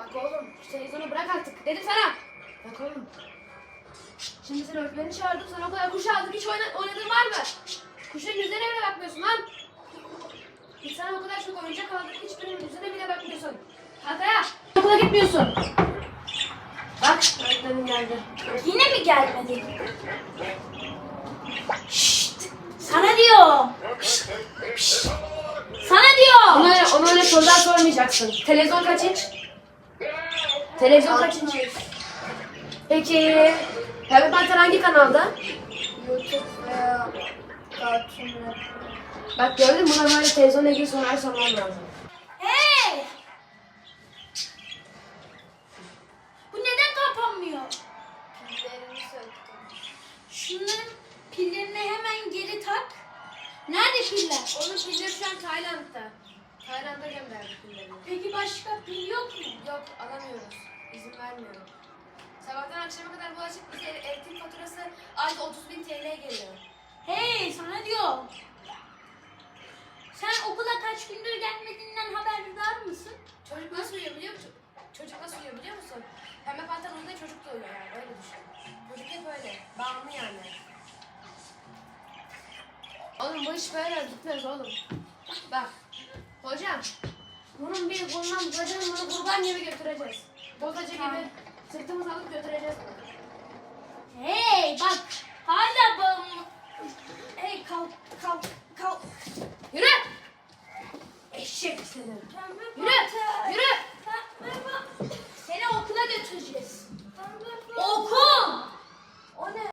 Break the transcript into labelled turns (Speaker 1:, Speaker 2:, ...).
Speaker 1: Bak oğlum şu televizyonu bırak artık. Dedim sana. Bak oğlum. Şimdi sen öğretmeni çağırdım. Sana o kadar kuş aldık. Hiç oynadığın var mı? Kuşun yüzüne bile bakmıyorsun lan. Biz sana o kadar çok oyuncak aldık. Hiçbirinin yüzüne bile bakmıyorsun. Hataya. Okula gitmiyorsun. Bak öğretmenim geldi.
Speaker 2: Yine mi gelmedi? Şşt! Sana diyor. Şşt! Sana diyor.
Speaker 1: Ona öyle sorular sormayacaksın. Televizyon kaçınç? Televizyon kaçınç? Peki Pembe Panter hangi kanalda?
Speaker 2: YouTube veya Cartoon Network.
Speaker 1: Bak gördün mü? Buna böyle televizyonla ilgili sorular sormam lazım.
Speaker 2: Hey! Bu neden kapanmıyor?
Speaker 3: Pillerini söktüm.
Speaker 2: Şunların pillerini hemen geri tak. Nerede piller?
Speaker 1: Onun pilleri şu an Tayland'da. Tayland'a gönderdik pillerini.
Speaker 2: Peki başka pil yok mu?
Speaker 1: Yok alamıyoruz. İzin vermiyorum. Sabahtan akşama kadar bu açık bize elektrik faturası ayda 30.000 TL geliyor.
Speaker 2: Hey, sana diyor. Sen okula kaç gündür gelmediğinden haberdar mısın?
Speaker 1: Çocuk nasıl uyuyor biliyor musun? Çocuk nasıl uyuyor biliyor musun? Pembe Panter uyuduğunda çocuk da uyuyor yani öyle düşün. Çocuk hep öyle. Bağımlı yani. Oğlum bu iş böyle gitmez oğlum. Bak. Hocam. Bunun bir kolundan tutacağız, bunu kurban gibi götüreceğiz. Bozacı gibi sırtımızı alıp götüreceğiz.
Speaker 2: Hey, bak. Hala bağımlı. Hey, kalk.
Speaker 1: Yürü! Eşek seni. Yürü!